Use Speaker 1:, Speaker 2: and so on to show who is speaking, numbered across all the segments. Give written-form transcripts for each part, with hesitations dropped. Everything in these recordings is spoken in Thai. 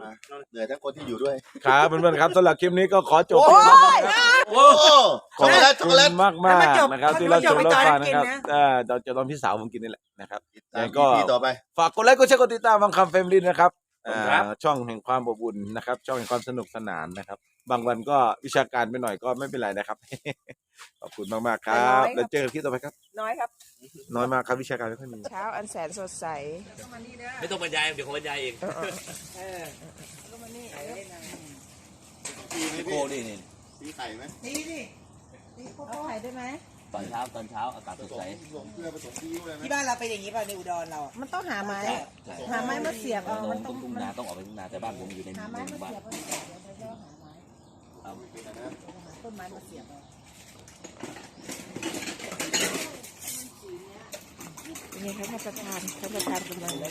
Speaker 1: มาเหนื่อยทั้งคนที่อยู่ด้วย
Speaker 2: ครับเพื่อนๆครับสำหรับคลิปนี้ก็ขอจบ
Speaker 3: โอ้ย
Speaker 1: โอ้ขอบคุณ
Speaker 2: มากนะครับที่เราชมรับฟังนะครับเราจะต้องพี่สาวผมกินนี่แหละนะครับแล้วก็
Speaker 1: ต่อไป
Speaker 2: ฝากกดไลค์กดแชร์กดติดตามบางคำเฟมลินนะครับช่องแห่งความอบอุ่นนะครับช่องแห่งความสนุกสนานนะครับบางวันก็วิชาการไปหน่อยก็ไม่เป็นไรนะครับขอบคุณมากๆครับแล้วเจอกันคลิปต่อไปครับ
Speaker 3: น้อยครับ
Speaker 2: น้อยมากครับวิชาการไม่ค่อยมี
Speaker 3: เช้าอันแสนสดใส
Speaker 4: ไม่ต้องบรรยายเดี๋ยวเขาบรรยายเองพี่โก้ดินี่
Speaker 1: ตีไข่ไหม
Speaker 3: ตีดิเอาไข่ได้ไหม
Speaker 4: ตอนเช้าอากาศสดใส
Speaker 3: ที่บ้านเราเป็นอย่างนี้ป่ะในอุดรเรามันต้องหาไม้มาเสียบเอามัน
Speaker 4: ต้องทุ่งนาต้องออกไปทุ่งนาแต่บ้านผมอยู่ในหมู่บ้าน
Speaker 3: ต้นไม้มาเสียบนี่ครับท่านประธานกำลังกำ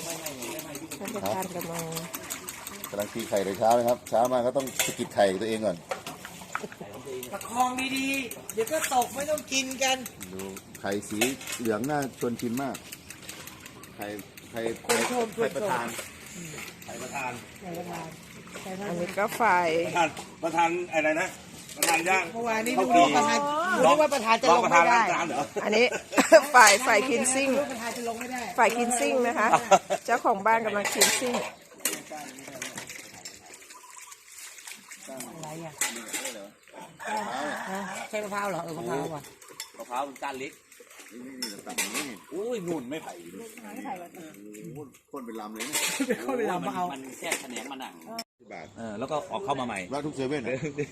Speaker 1: ลังตีไข่เลยเช้านะครับเช้ามาก็ต้องสกิดไข่ตัวเองก่อน
Speaker 3: ประคองดีๆเดี๋ยวก็ตกไม่ต้องกินกัน
Speaker 1: ดูไข่สีเหลืองน่าชวนชิมมากไข่ประธาน
Speaker 3: อันนี้ก็ฝ่าย
Speaker 4: ประธานอะไรนะประธานย่าง
Speaker 3: เมื่อวานนี้ดูประธานว่าประธานจะลงไม่ได้อันนี้ฝ่ายคินซิ่งฝ่ายคินซิ่งนะคะเจ้าของบ้านกำลังคินซิ่งอะไรอ่ะใช่มะพร้าวเหรอมะพร้าวอ่ะ
Speaker 4: มะพร้าวเป็นก้านเล็กอุ้ยนุ่นไม่ไผ่
Speaker 1: คนเป็นลำเลย
Speaker 3: คนเป็นลำมาเอา
Speaker 4: มันแค่แขนงมันอ่ะแล้วก็ออกเข้ามาใหม่
Speaker 1: ว่าทุกเซเว่น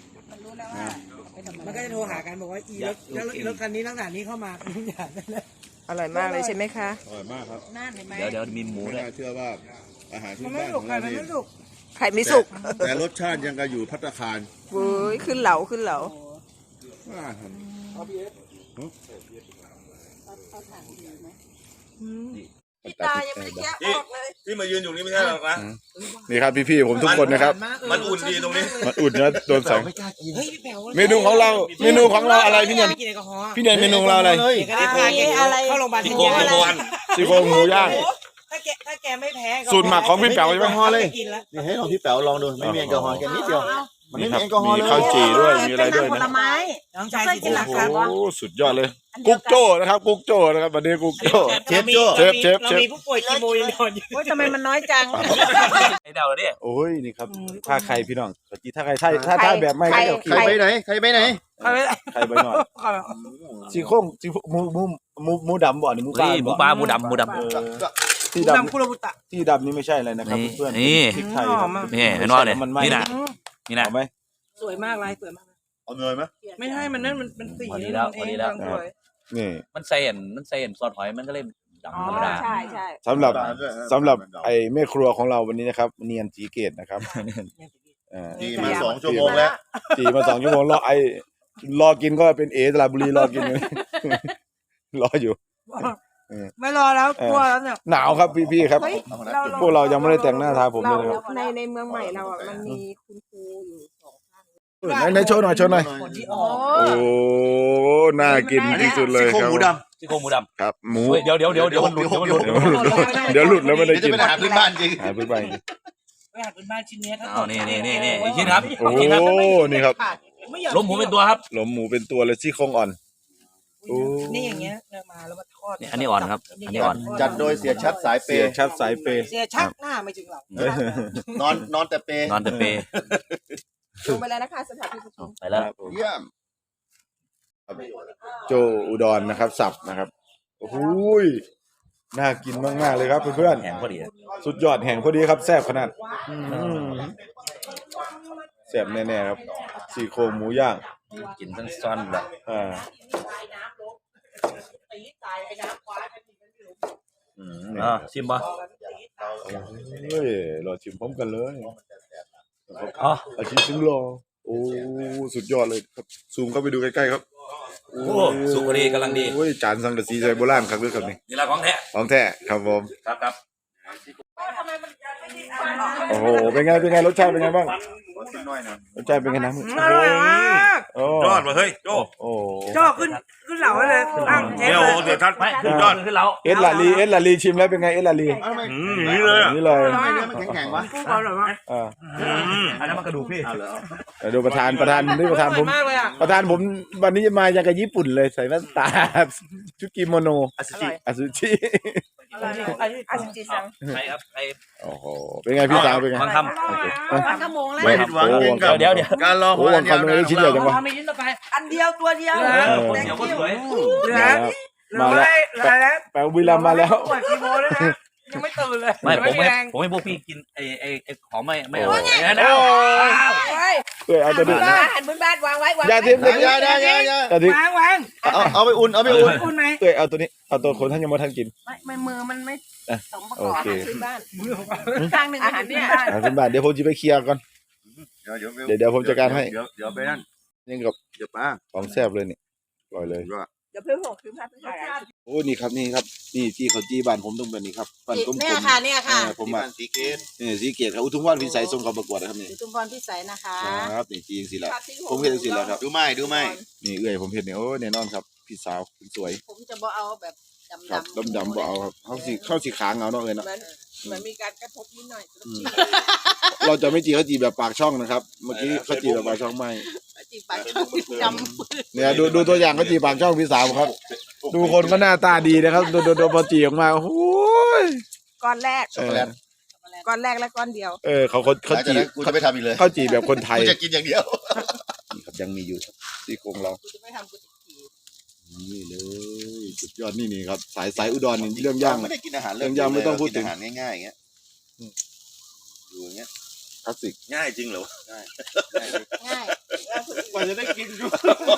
Speaker 3: มันก็จะโทรหากันบอกว่าอีรถคันนี้ลักษณะนี้เข้ามาทุกอย่างอร่อยมากเลยใช่ไหมคะ
Speaker 1: อร่อยมากครับ
Speaker 4: เดี๋ยวมีหมูด้วย
Speaker 1: เชื่อว่าอาหารที่บ้านของเรานี่
Speaker 3: ไข่ไม่สุก
Speaker 1: แต่รสชาติยังก็อยู่ภัตตาคาร
Speaker 3: เว้ยขึ้นเหลาพี่ตายังไม่ได้แกะออกเลย
Speaker 4: ที่มายืนอยู่นี่ไม่ใช่หรอกนะ
Speaker 2: นี่ครับพี่ๆผมทุกคนนะครับ
Speaker 4: มันอุ่นดีตรงนี้
Speaker 2: มันอุ่นนะโดนแสงเมนูของเราอะไรพี่เนียนเมนูเราอะไร
Speaker 3: เข้าโรงพยาบาล
Speaker 2: ซี่โครงหมูย่าง
Speaker 3: ถ้าแกไม่แพ้
Speaker 2: สูตรหมักของพี่แป๋วใช่ไหม
Speaker 1: เลยนี่ให้ลองพี่แป๋วลองดูไม่มีแอลกอฮอล์แค่นิดเดียวมันไม่มีแอลกอฮอล์เลย
Speaker 2: มีข้าวจี่ด้วยมีอะไรด้วยนะ
Speaker 3: น้องชายกินหลักครับ
Speaker 2: โอ้สุดยอดเลยกุ๊กโจ้นะครับกุ๊กโจ้นะครับวันนี้กุ๊กโจ้เชฟ
Speaker 3: เรามีผู้ป่วยคีโมยังนอนอยู่ทำไมมันน้อยจัง
Speaker 4: ไอเดาดิ
Speaker 2: โอ้ยนี่ครับถ้าใครพี่น้องถ้าใครถ้าแบบไม่
Speaker 1: ใครไปไหนใครไปห
Speaker 2: น่อยซี่โครงหมูดำบ่อนี่หมู
Speaker 4: ปลาหมูดำ
Speaker 2: ที่ดำนี่ไม่ใช่อะไรนะครับเพื่อนพริกไทย
Speaker 4: นี่เห็นว่าเนี่ยนี่นะ
Speaker 2: เอาไหม
Speaker 3: สวยมากลายสวยมาก
Speaker 1: เอาเนยไหม
Speaker 3: ไม่ให้มันนั่นมันสี
Speaker 4: พอดีแล้ว
Speaker 2: นี่
Speaker 4: มันใส่เห็นซอสหอยมันก็เลยดำธรรมดา
Speaker 3: ใช่
Speaker 2: สำหรับไอ้แม่ครัวของเราวันนี้นะครับเนียนจีเกตนะครับ
Speaker 1: จีมา2 ชั่วโมงแล้ว
Speaker 2: จีมา2 ชั่วโมงรอกินก็เป็นตลาดบุรีรอกินรออยู่
Speaker 3: ไม่รอแล้วกลัวแล้วเนี่ย
Speaker 2: หนาวครับพี่ครับพวกเรายังไม่ได้แต่งหน้าทาผมเลยครับ
Speaker 3: ในเมืองใหม่เราอ่ะมันมีคุณครูอยู่2 ท่าน
Speaker 2: ในโชว์หน่อยโอ้น่ากินที่สุดเลยครับ
Speaker 4: ซี่โครงหมูดำ
Speaker 2: ครับหมู
Speaker 4: เดี๋ยวมันหลุด
Speaker 2: แล้วไม่ได้กิน
Speaker 1: อาหารพื้นบ้านจริง
Speaker 2: อาหารพื้นบ้าน
Speaker 3: ชิ้นนี้
Speaker 4: นี่อีกชิ้นครับ
Speaker 2: โอ้นี่ครับ
Speaker 4: ล้มหมูเป็นตัวครับ
Speaker 2: ล้มหมูเป็นตัวเลยซี่โครงอ่อน
Speaker 3: นี่อย่างเงี้ยมาแล้วมาทอด
Speaker 4: อันนี้อ่อนครับอันนี้อ่อน
Speaker 1: จัดโดยเสียชัดสายเปย์
Speaker 2: เสี
Speaker 3: ยชัดหน้าไม่ถึงหรอก
Speaker 1: นอนแต่เปย์
Speaker 3: ลงไปแล้วนะคะสถานที่ประชุม
Speaker 4: ไปแล้ว
Speaker 1: เยี่ยม
Speaker 2: โจอุดรนะครับสับนะครับโอ้โหน่ากินมากๆเลยครับเพื่อน
Speaker 4: แห้งพอดี
Speaker 2: สุดยอดแห้งพอดีครับแซ่บขนาดแซ่บแน่ๆครับซี่โครงหมูย่าง
Speaker 4: กินทั้งซ้อนแบบชิมป่ะ
Speaker 2: เฮ้ยรอชิมพร้อมกันเลยอาชีพซึ่งรอโอ้สุดยอดเลยครับซูมเข้าไปดูใกล้ๆครับ
Speaker 4: โอ้สุกดีกำลังดี
Speaker 2: โอ้ยจานสังกะสีใจโบราณครับด้วยครับ
Speaker 4: นี่ละของแ
Speaker 2: ท้ครับผม
Speaker 4: ครับ
Speaker 2: โอ้โหเป็นไงรสชาติเป็นไงบ้าง
Speaker 1: กินน้อยนะ
Speaker 2: รสชาติเป็นไงนะ
Speaker 3: อร่อยมาก
Speaker 2: โอ้
Speaker 4: ยอดมาเฮ้ยโจ้
Speaker 2: โอ้
Speaker 3: โจ้ขึ้นเหล่าเลยตั้งเชฟ
Speaker 4: เดี๋ยว
Speaker 3: เลย
Speaker 4: เดี๋ยวทัดยอดขึ้นแล้ว
Speaker 2: เอสลาลีชิมแล้วเป็นไงเอสลาลี
Speaker 4: นี่เลยอ่ะ
Speaker 2: นี่เลย
Speaker 1: ทำไมเนื้อมันแข็งๆวะ
Speaker 3: กุ้งอร่อยมาก
Speaker 4: อันนั้นมันกระดูกพี่
Speaker 1: เอาเหรอ
Speaker 2: เดี๋ยวดูประธานนี่ประธานผม
Speaker 3: มากเลยอ่ะ
Speaker 2: ประธานผมวันนี้จะมาอย่างกับญี่ปุ่นเลยใส่แว่นตาชุดกิโมโน
Speaker 4: อาซิจิ
Speaker 2: อาซูชิ
Speaker 3: อร่อยอาชิจิซัง
Speaker 4: ใช่ครับไอ้
Speaker 2: โอ้โหเป็นไงพี่สาวเป็นไง
Speaker 4: มันทำ
Speaker 3: วันขโมงแล้ว
Speaker 2: ไม่
Speaker 1: ผิดหวังเก่งกับ
Speaker 4: เดี๋ยว
Speaker 1: การรอ
Speaker 2: โอ้วันคำนี้ชิ้นใหญ่จังวะ
Speaker 4: ไม่ยิ้มต่อไป
Speaker 3: อันเดียวตัวเดียว
Speaker 4: คนเดียวก็สวย
Speaker 3: เหลือ
Speaker 2: มาแล้ว แปลบุรีรัมย์มาแล้ว
Speaker 3: ปวดกี่โมงแล้วนะยังไม่ตื่นเลย
Speaker 4: ไม่ผม
Speaker 3: แรง
Speaker 4: ให้พวกพี่กินไอ้ของไม่เอางั้น
Speaker 2: โอ้
Speaker 3: เฮ้ย
Speaker 2: เอ้ยเอาตัวนี้
Speaker 3: หันบนบ้านวางไว้วาง
Speaker 2: อย่าทิ้ง
Speaker 1: อย่า
Speaker 2: อย่าทิ้ง
Speaker 3: วาง
Speaker 1: เอาไปอุ่นเอาไปอุ่น
Speaker 3: คุณไหม
Speaker 2: เอ้ยเอาตัวนี้เอาตัวคนท่านยังไม่ทันกิน
Speaker 3: ไม่มือมันไม่สมประก
Speaker 2: โอ
Speaker 3: อบ
Speaker 2: เค
Speaker 3: อาหารพื้นบ้านข้างหนึ่งอาหารพื้นบ้าน
Speaker 2: อาเป็นบาทเดี๋ยวผมจะไปเคลียร์ก่อน เดี๋ยวผมจัดการให้
Speaker 1: เดี๋ยวไปนั่น
Speaker 2: นี่กับ
Speaker 1: เดี๋ยวป้า
Speaker 2: ของแซ่บเลยนี่อร่อยเลย
Speaker 3: เดี๋ยวเพิ่มหกคือภาพถ่าย
Speaker 2: โอ้นี่ครับนี่ครับนี่ที่เขาจี้บ้านผมต้องเป็นนี่ครับบ้านกลมๆ
Speaker 5: เนี่ยค่ะเนี่ยค่ะ
Speaker 2: ผม
Speaker 1: ที่
Speaker 2: มา
Speaker 1: บ้านสีเกต
Speaker 2: นี่สีเกตครับอุทุมวันพิสัยส่งเขาประกวดนะครับนี่
Speaker 5: อยู่ชุมพรพิสัยนะคะ
Speaker 2: ครับนี่จีจริงๆแล้วผมเห็นสิแล้วครับ
Speaker 1: ดูไหมดูไหม
Speaker 2: นี่เอื้อยผมเห็นนี่โอ้แน่นอนครับพี่สาวคุณสวย
Speaker 5: ผมจะบ่เอาแบบ
Speaker 2: ครับ
Speaker 5: ดำ
Speaker 2: ดำๆบ่เอาครับเข้าสีขางเอาเนาะเอ้ยเนาะ
Speaker 3: เหมือนมีการกระทบนิดหน่อย
Speaker 2: เราจะไม่จีเขาจีแบบปากช่องนะครับเมื่อกี้เขาจีแบบปากช่องไม่
Speaker 5: จีบปากดำ
Speaker 2: เนี่ยดูตัวอย่างเขาจีปากช่องพี่สาวครับ ดูคนก็หน้าตาดีนะครับดูพอจีออกมาโอ้ย
Speaker 3: ก้อนแรก
Speaker 2: เออ
Speaker 3: ก้อนแรกและก้อนเดียว
Speaker 2: เขา
Speaker 1: หลังจาก
Speaker 2: จี
Speaker 1: นั้นกูจะไม่ทำอีกเลย
Speaker 2: เขาจีแบบคนไทย
Speaker 1: กูจะกินอย่างเดียว
Speaker 2: นี่ครับยังมีอยู่ที่โครงเรา
Speaker 5: กูจะไม่ทำกูจะขี่
Speaker 2: นี่เลยสุดยอดนี่ครับสายอุดรนี่เรื่องย่าง
Speaker 1: ไม่ได้กินอาหาร
Speaker 2: เรื่องยำไม่ต้องพูดถึง
Speaker 1: กินอาหารง่ายๆอย่างเงี้ยอยู่อย่างเงี้ย
Speaker 2: คลาสสิก
Speaker 1: ง่ายจริงเหรอ
Speaker 5: ง่าย
Speaker 1: กว่าจะได้กินดู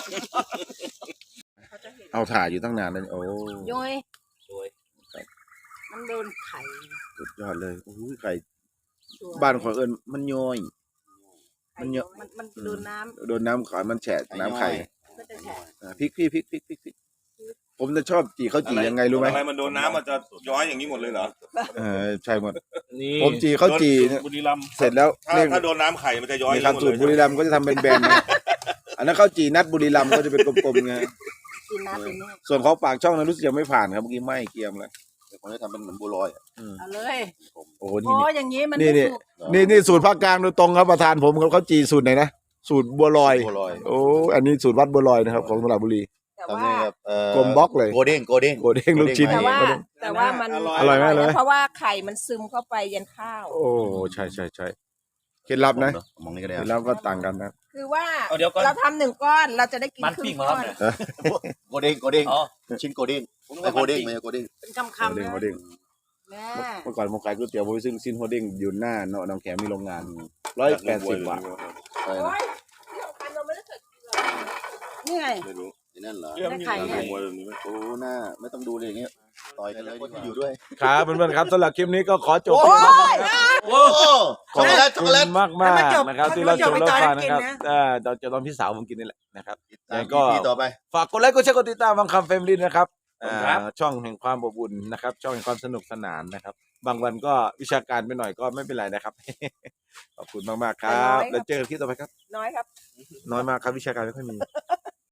Speaker 2: เอาถ่ายอยู่ตั้งนานเลยโอ้
Speaker 5: ย้อยมันโดนไข่
Speaker 2: สุดยอดเลยโอ้ยไข่บ้านของเอิญมันย่อย มันเยอะ
Speaker 5: มันโดนน้
Speaker 2: โดนน้ำขายมันแฉะน้ำไข่
Speaker 5: ำก็จะแฉะ
Speaker 2: พริกผมจะชอบจีเขาจียังไงรู้ไหม
Speaker 6: อะไรมันโดนน้ำมันจะย้อยอย่างนี้หมดเลยเหรอ
Speaker 2: ใช่หมด
Speaker 4: นี่
Speaker 2: ผมจีเขาจีเนี่ย
Speaker 6: บุรีรัมย์
Speaker 2: เสร็จแล้ว
Speaker 6: ถ้าโดนน้ำไข่มันจะย้อย
Speaker 2: ใน
Speaker 6: อย่าง
Speaker 2: คำ
Speaker 6: นี้หมด
Speaker 2: สู
Speaker 6: เล
Speaker 2: ตร
Speaker 6: ย
Speaker 2: บุรีรัมย์ก็จะทำเป็นแบนๆนะอันนั้นข้าวจีนัดบุรีรัมย์ก็จะเป็นกลมๆไง
Speaker 5: กินน้ำเป็นนี่
Speaker 2: ส่วนของปากช่องนั้นรู้สึกยังไม่ผ่านครับเมื่อกี้ไหม้เกรียมแล้ว
Speaker 1: แต่ผมจะทำเป็นเหมือนบัวลอย
Speaker 5: เอาเลย
Speaker 2: โอ้โห
Speaker 5: โอ้อย่างนี้มัน
Speaker 2: นี่
Speaker 5: ไม่สุก
Speaker 2: นี่สูตรภาคกลางโดยตรงครับประธานผมเขาจีสูตรไหนนะสูตรบัวลอย
Speaker 1: บัวลอย
Speaker 2: โอ้อันนี้สูตรวัดบัวลอยนะครับของสระบุรี
Speaker 3: แต่
Speaker 1: ทำ
Speaker 3: ว่า
Speaker 1: นี่ครับ
Speaker 2: กลมบล็อกเลย
Speaker 1: โกเด้ง
Speaker 2: โกเด้งลูกชิ้น
Speaker 3: แต่ว่ามัน
Speaker 2: อร่อยมากเลย
Speaker 3: เพราะว่าไข่มันซึมเข้าไปยันข้าว
Speaker 2: โอ้ใช่เคล็ดลับนะ
Speaker 1: มองนี่ก็ได้
Speaker 2: เคล็ดลับก็ต่างกันนะ
Speaker 3: คือว่า
Speaker 4: เอาเดี๋ยวก่อน
Speaker 3: เราทำหนึ่งก้อนเราจะได้กิน
Speaker 4: มัน
Speaker 3: ครึ่
Speaker 4: ปิ้ง
Speaker 3: ง
Speaker 4: มา
Speaker 3: ก้
Speaker 4: แล้ว
Speaker 3: อน
Speaker 4: เนี่ย
Speaker 1: โกเด้งโกเด้ง
Speaker 4: อ๋อ
Speaker 1: ชิ้นโกเด้ง
Speaker 4: ผมนึก
Speaker 1: ไม่
Speaker 4: ว่า
Speaker 1: โกเด้ง
Speaker 4: มันปิ้ง
Speaker 1: ไม่โกเด้ง
Speaker 5: เป็นคำ
Speaker 2: โก
Speaker 5: ๆ
Speaker 2: เด้ง
Speaker 5: นะ
Speaker 2: โกเด้ง
Speaker 5: แม่
Speaker 2: เมื่อก่อนผมขายก๋วยเตี๋ยวผมซึ่งซินโกเด้งอยู่หน้าเนาะน้องแขมมีโรงงาน180 บาท
Speaker 1: ใช่
Speaker 3: โอ้ยที่สำคัญเราไม่ได้เกิดกินหรอก
Speaker 5: นี่ไง
Speaker 6: ไม่รู้
Speaker 1: นั่นเหรอ
Speaker 6: เรื่อง
Speaker 5: ได้
Speaker 6: มี
Speaker 5: ไข่
Speaker 6: การ
Speaker 5: เนี่ย
Speaker 6: มวยแบบนี้ไหม
Speaker 1: โอ้หน้าไม่ต้องดูเลยอย่างเงี้ยต่อยกันเลยที่อยู่ด้วย
Speaker 2: ครับเพื่อนๆครับสำหรับคลิปนี้ก็ขอจบ
Speaker 3: โอ้ย
Speaker 1: โอ้
Speaker 2: ขอบ
Speaker 1: ช็อกโกแลตช็อกโกแลต
Speaker 2: คุณมากๆนะครับที่รับชมรับฟังนะครับ
Speaker 3: มันไม่จบ
Speaker 2: เราจะตอนพี่สาวผมกินนี่แหละนะครับ
Speaker 1: ตาม
Speaker 2: ก็
Speaker 1: พี่ต่อไป
Speaker 2: ฝากกดไลค์กดแชร์กดติดตามบางคำเฟมลินนะครับ
Speaker 4: ครับ
Speaker 2: ช่องแห่งความอบอุ่นนะครับ ช่องแห่งความสนุกสนานนะครับ บางวันก็วิชาการไปหน่อยก็ไม่เป็นไรนะครับ ขอบคุณมากๆครับแล้วเจอกันคลิปต่อไปครับ
Speaker 3: น้อยครับ
Speaker 2: น้อยมากครับวิชาการไม่ค่อยมี